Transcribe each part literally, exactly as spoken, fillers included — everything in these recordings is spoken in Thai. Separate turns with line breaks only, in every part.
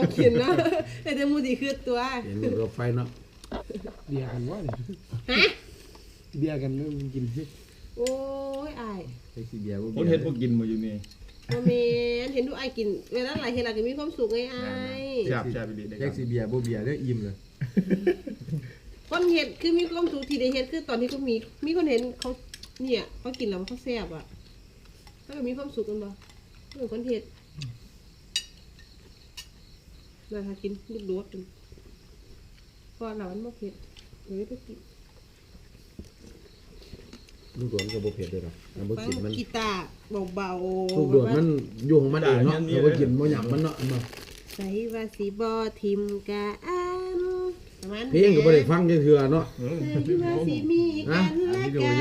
กินเนาะแต่จะมูดีคือตัว
เห็นรถไฟเนาะ
เบียร์กันว่า
ฮะ
เบียร์กันแล้วกิน
โอ้ยอาย
ไอ้สีเบียร์พวก
คนเห็ดพวกกินมาอยู่นี่
โมเมนเห็นดูไอกินเวลาหลายเห็นหลายก็มีความสุขไงไอ
แซ่บแซ่บไปดี
แยกสีเบียร์พวกเบียร์ได้อิ่มเลย
คนเห็ดคือมีความสุขที่ได้เห็ดคือตอนที่เขามีมีคนเห็นเขาเนี่ยเขากินแล้วเขาแซ่บอ่ะถ้าก็มีความสุขกันบ่เหมือนคนเห็ดน่าทากินลูกโดดพอเรามันบ่เผ็ดเลยไปกิน
ลูกโดดก็บ่เผ็ดเลยหรอกน้ำบ่กินมัน
กีตาร์เบาๆ
ลูกโดดมันอยู่ของมันเองเนาะเราบ่กินบ่หยังมันเนาะมา
ใส่ว่าสิบ่ทิมกะอัน
เพลงก็บ่ได้ฟังจังเทื่อเนาะ
ใส่ว่าสิมีกันและกัน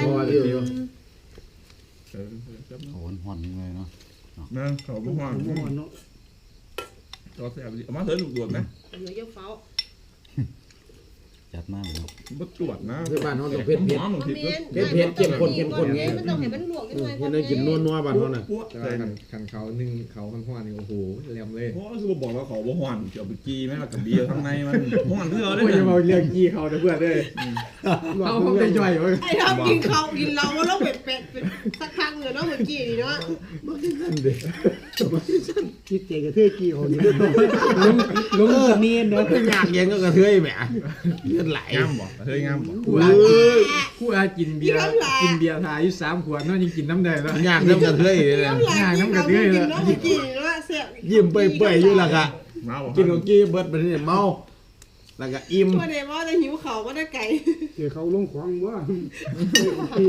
เขาห่อนๆเลยเนาะ
นะเขาบ่ห่อนเนาะก็แซ่บดีเอามาเถอะลูกโดดนะ
เดี๋ยวจะเฝ้า
จัดมากเลย
บ่ตรวจนะ
คือบ้านเฮาต้องเผ็ดเผ็ดเผ็ดเผ็ดเข้มข้นเข้มข้นไง
มันต้องให้มันลวกกันหน่อย
เฮ็ดให้กินนัวๆบ้านเฮาน่ะ
แต่คันคันเขานึ่งเขามันห่อนนี่โอ้โหแหลมเลย
เพราะคือบอกว่าเขาบ่ห่อนเกี่ยวกับกี้แม่กับเบียร์ข้างในมันห่อนเพื่อได้
โอ้ยอย่ามาเรียกกี้เขาเด้อเพื่อนเด้อเอาเขาไปย่อยเว้ย
ไอ้เรากินเขากินเรามันต้องเป็ดเป็ดเป็นสักครั้งเลยเนาะเมื่อกี้นี่เนาะ
บ่ได้ซั่นเด้บ่ได้ซั่น
คิดเจกระเทยกี้เขานี่ลุงลุงสนีนเนาะ
คือยากเย็นก็กระเทยแหมเลือดไหล
งามบ่กระเทยงามบ่
คู่อาคู่อากินเบียร์กินเบียร์ทาอยู่สามขวดเนาะยังกินน้ำได้เนาะ
ยากน้ำกระเทยเลย
ยากน้ำกระเทยเลยเมื่อกี้เนาะเสีย
ยิ้มเปื่อยๆอยู่ล่ะค่ะกินของกี้เบิดไปนี่เมาแล้วก็อิ่ม
บ่ได้ว่าได้หิวเขาบ่ได้ไก่
เดี๋ยวเขาลงของว่ากี้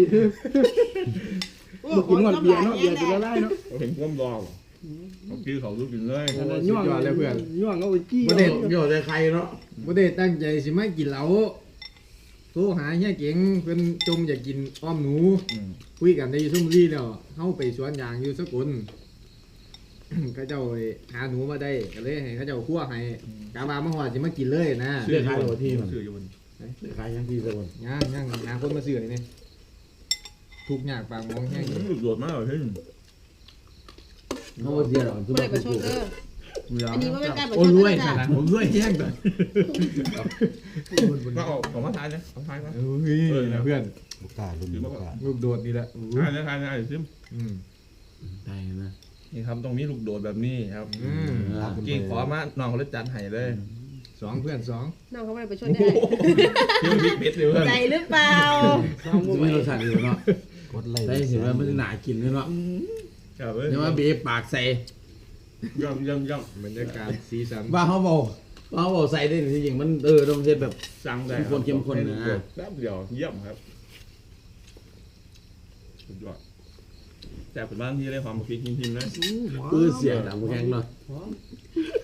กินหมดเบียร์เนาะเบียร์จะละลายเนาะ
เห็นความรอเขากี้เขาลูกกินเลย
ย่องเลยเพื่อนย่องเอาไปกี้
บ่ได้ย่อใจใครเนาะ
บ่ได้ตั้งใจสิมากินเหล้าโทรหาเฮียเก๋งเพิ่นจมอยากกินอ้อมหนูคุยกันได้อยู่ซุ่มรีแล้วเฮาไปสวนยางอยู่สกลเขาเจ้าหาหนูมาได้ก็เลยให้เขาเจ้าคั่วให้กาบามาฮอดสิมากินเลยนะ
เสื้อขายโรตีมัน
ซื้ออยู่บน
เสื้อขายยังพี่ซะบ่
ย่างย่างหาคนมาซื้อนี่ทุกอย่างปากมองแห้ง
ลูกโดดมาเลยเฮ้ย
เฮาเสียหรอกซุ่มไปปลูก
อันนี้ก็เป็นการประชด
โอ้ยรวยขนาดผมรวยแห้งก่อน
ก็เอาของมาทานนะเอาทานนะ
เฮ้ยเพื่อน
ลูกกาลุ่นลูกกา
ลูกโดดนี่แหละ
ทานนะทานนะไอ้ซิม
ได้นะ
นี่ครับตรงนี้ลูกโดดแบบนี้ครับกี่ขอมาน้องเขาเลยจัดให้เลย
สองเพื่อนสอง
น้องเขาไม่ได้ประชดได้
ยังบิ๊กเบ็ดเลยเพื่อน
ใจหรือเปล่า
ไม่รสชาติอยู่เนาะกดไล่ได้เห็นว่ามันหนากินเลยเนาะเดี๋ยวว่าบีบปากใส่
ย่ำย่ำย่
ำบรรยากาศสีสัน
ว่าเขาบอกว่าเขาบอกใส่ได้จริงๆมันเออต้องเช็ดแบบ
สั่งได้
คนเข้มข้นนะ
แป๊บเดียวเยี่ยมครับสุดยอดแต่เป็นบ้านที่ได้ความคิดพิมพ์นะ
ปื้อเสียงดังแข็งเนาะ